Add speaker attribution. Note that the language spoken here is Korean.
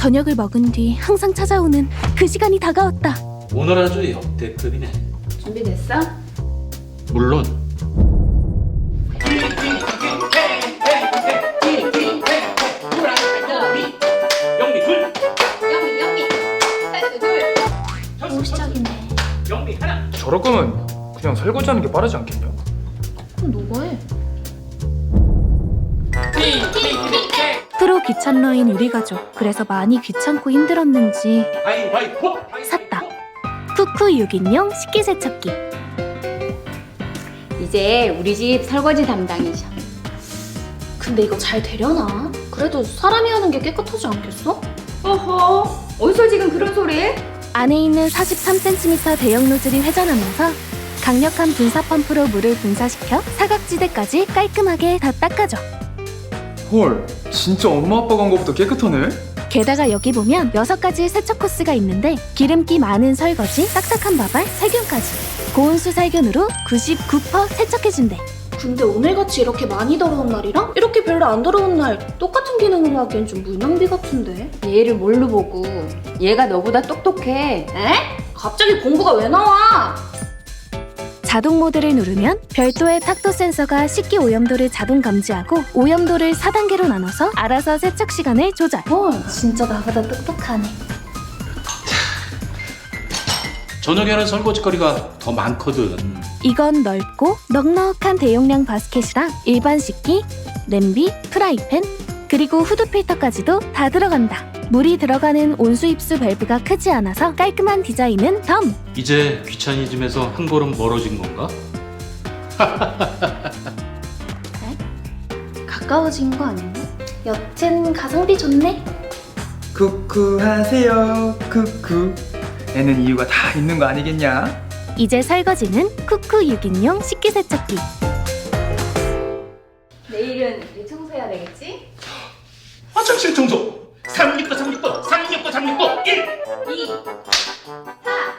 Speaker 1: 저녁을 먹은 뒤 항상 찾아오는 그 시간이 다가왔다.
Speaker 2: 오늘 아주 역대급이네.
Speaker 3: 준비됐어?
Speaker 2: 물론. 영미 둘.
Speaker 3: 영미 둘.
Speaker 1: 또 시작이네.
Speaker 2: 영미 하나.
Speaker 4: 저럴 거면 그냥 설거지하는 게 빠르지 않겠냐?
Speaker 3: 그럼 너가 해.
Speaker 1: 프로 귀찮러인 우리 가족. 그래서 많이 귀찮고 힘들었는지
Speaker 2: 가위바위보.
Speaker 1: 샀다. 쿠쿠 6인용 식기세척기.
Speaker 3: 이제 우리 집 설거지 담당이셔.
Speaker 5: 근데 이거 잘 되려나? 그래도 사람이 하는 게 깨끗하지 않겠어?
Speaker 3: 어허, 어디서 지금 그런 소리?
Speaker 1: 안에 있는 43cm 대형 노즐이 회전하면서 강력한 분사 펌프로 물을 분사시켜 사각지대까지 깔끔하게 다 닦아줘.
Speaker 4: 헐, 진짜 엄마 아빠가 한 것보다 깨끗하네?
Speaker 1: 게다가 여기 보면 6가지 세척 코스가 있는데 기름기 많은 설거지, 딱딱한 바발, 살균까지 고온수 살균으로 99% 세척해준대.
Speaker 5: 근데 오늘같이 이렇게 많이 더러운 날이랑 이렇게 별로 안 더러운 날 똑같은 기능으로 하기엔 좀 물낭비 같은데?
Speaker 3: 얘를 뭘로 보고? 얘가 너보다 똑똑해.
Speaker 5: 에? 갑자기 공부가 왜 나와?
Speaker 1: 자동 모드를 누르면 별도의 탁도 센서가 식기 오염도를 자동 감지하고 오염도를 4단계로 나눠서 알아서 세척 시간을 조절.
Speaker 5: 헐, 진짜 나보다 똑똑하네.
Speaker 2: 저녁에는 설거지거리가 더 많거든.
Speaker 1: 이건 넓고 넉넉한 대용량 바스켓이랑 일반 식기, 냄비, 프라이팬, 그리고 후드 필터까지도 다 들어간다. 물이 들어가는 온수 입수 밸브가 크지 않아서 깔끔한 디자인은 덤!
Speaker 2: 이제 귀차니즘에서 한 걸음 멀어진 건가?
Speaker 5: 가까워진 거 아닌가? 여튼 가성비 좋네.
Speaker 4: 쿠쿠 하세요, 쿠쿠. 애는 이유가 다 있는 거 아니겠냐?
Speaker 1: 이제 설거지는 쿠쿠 6인용 식기세척기.
Speaker 3: 내일은 이 청소해야 되겠지?
Speaker 2: 화장실 청소. 369 1.
Speaker 3: 2, 4,